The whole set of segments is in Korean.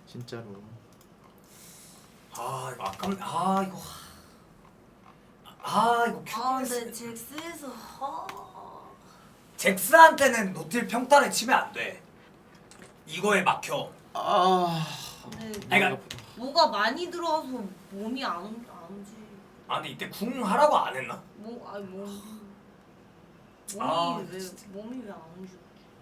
진짜로. 아 이거 아깝네. 이거 이거 근데 잭스에서 잭스한테는 노틸 평타를 치면 안 돼. 이거에 막혀. 근데 그러니까 뭐가 많이 들어와서 몸이 안 오지. 근데 이때 궁 하라고 안 했나? 몸이 왜 진짜. 몸이 왜 안 오지?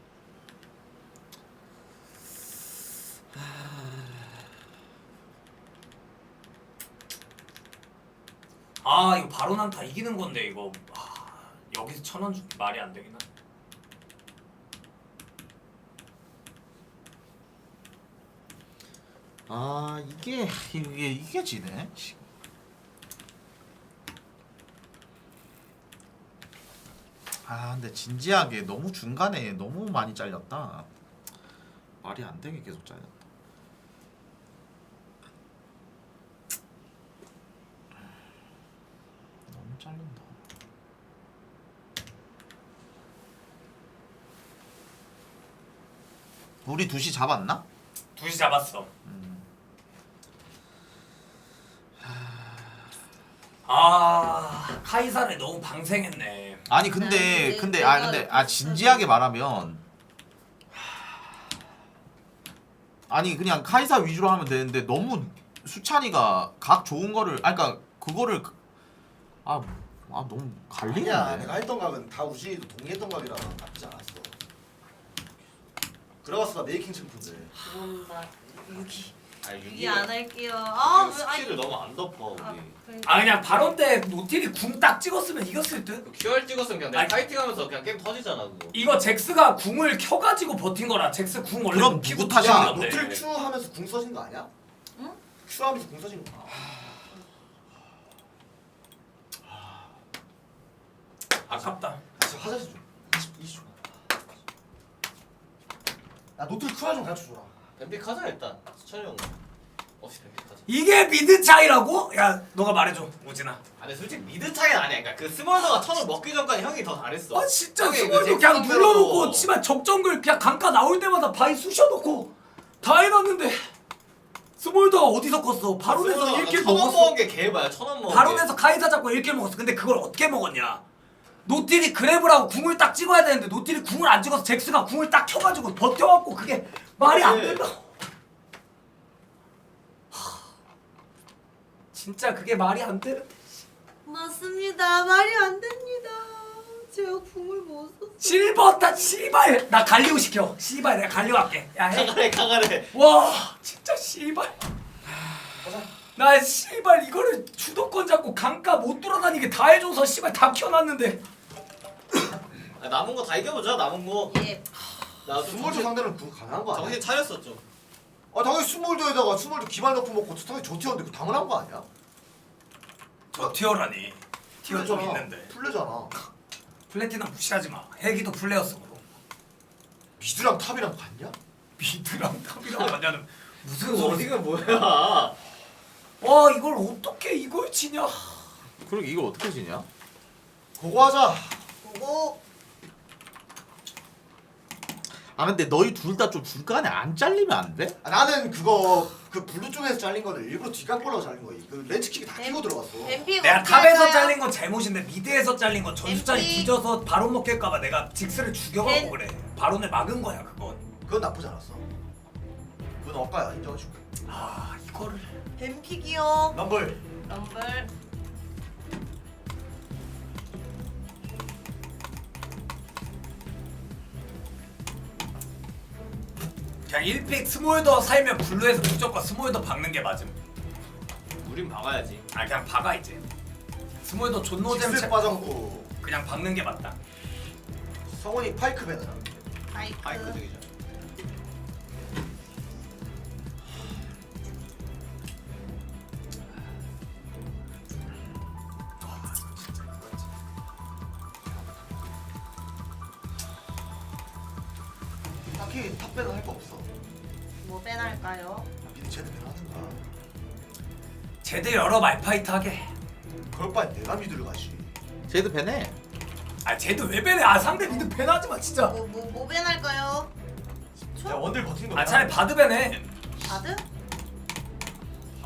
이거 바로 난다 이기는 건데 이거 여기서 1,000원 주기 말이 안 되긴 하네. 이게 지네. 근데 진지하게 너무 중간에 너무 많이 잘렸다. 말이 안 되게 계속 잘렸다. 너무 잘린다. 우리 2시 잡았나? 2시 잡았어. 카이사를 너무 방생했네. 아니 근데 진지하게 말하면 아니 그냥 카이사 위주로 하면 되는데 너무 수찬이가 각 좋은 거를 그러니까 그거를 너무 갈리는데. 아니야, 내가 했던 각은 다 우진이도 동의했던 각이라 나쁘지 않았어. 들어갔어, 나 메이킹 챔프인데. 그럼 나 유기 유기 안 할게요. 스킬을 너무 안 덮어 우리. 그냥 바론 때 노틸이 궁 딱 찍었으면 이겼을 듯? QR 찍었으면 그냥 내가 아니, 파이팅하면서 그냥 게임 터지잖아 그거. 이거 잭스가 궁을 켜가지고 버틴 거라. 잭스 궁 원래 그럼 못 키고 누구 탓이야? 야, 터진 건데. 노틸 Q 하면서 궁 써진 거 아니야? 응? Q 하면서 궁 써진 거. 아깝다. 진짜 화장실 좀. 20초. 나 노틸 Q 좀 가르쳐줘라. 뱀픽 하자 일단. 수천이 형 없이 뱀픽 하자. 이게 미드 차이라고? 야 너가 말해줘 오진아. 아니 솔직히 미드 차이는 아니야. 그러니까 그 스몰더가 1,000원 먹기 전까지 형이 더 잘했어. 진짜 형이 스몰도 잭스 그냥 상대로도 눌러놓고 치만 적정글 그냥 강가 나올 때마다 바위 쑤셔놓고 다 해놨는데 스몰도가 어디서 컸어? 바론에서 1킬 1,000원 먹었어. 먹은 게 개봐야 1,000원 먹은 바론에서 카이사 잡고 1킬 먹었어. 근데 그걸 어떻게 먹었냐? 노틸이 그랩을 하고 궁을 딱 찍어야 되는데 노틸이 궁을 안 찍어서 잭스가 궁을 딱 켜가지고 버텨갖고 그게 말이 안 된다. 진짜 그게 말이 안 되는데. 맞습니다. 말이 안 됩니다. 제가 궁을 못 썼어. 실버다 씨발. 나 갈리오 시켜. 씨발 내가 갈리오 할게. 야 해. 가가래. 와 진짜 씨발. 나 씨발 이거를 주도권 잡고 강가 못 돌아다니게 다 해줘서 씨발 다 키워놨는데. 남은 거 다 이겨보자. 남은 거. 예. 나도 스몰도 상대는 궁 가능한 거 아니야? 정신 차렸어 좀. 당연히 스몰도에다가 스몰도 기발 넣고 먹고 당연히 저 티어인데 그거 당연한 거 아니야? 저 티어라니. 티어 좀 있는데. 풀려잖아. 플래티넘 무시하지 마. 헬기도 플레였어 그거. 미드랑 탑이랑 같냐? 미드랑 탑이랑 하냐는 무슨 그 소리? 어디가 뭐야? 와 이걸 어떻게 이걸 치냐? 그러게 이거 어떻게 지냐? 그거 하자. 그거 근데 너희 둘 다 좀 중간에 안 잘리면 안 돼? 나는 그거 그 블루 쪽에서 잘린 거를 일부러 뒷감골로 잘린 거야. 그 렌치킥이 다 끼고 들어갔어. 뱀픽 내가 어떻게 탑에서 할까요? 잘린 건 잘못인데 미드에서 잘린 건 전수찬이 MP. 뒤져서 바론 먹힐까봐 내가 직스를 죽여가고 벤. 그래. 바론을 막은 거야 그건. 그건 나쁘지 않았어. 그건 억가야 인정해줄게. 이거를. 뱀픽이요. 럼블. 럼블. 그냥 1픽 스몰더 살면 블루에서 무조건 스몰더 박는 게 맞음. 우린 박아야지. 그냥 박아 이제. 스몰더 존노잼 직스 빠졌고 그냥 박는 게 맞다. 성훈이 파이크 배너야. 파이크 되기죠. 딱히 탑 배너 할 거 없어. 뭐 빼날까요? 미드 쟤네 배너 하든가. 제대 여러 말파이트 하게. 그럴 바엔 내가 미드를 가지. 쟤도 배네. 쟤도 왜 배네? 상대 미드 배나지 마 진짜. 뭐 빼날까요? 야 원딜 버티는 거. 차라리 바드 배네.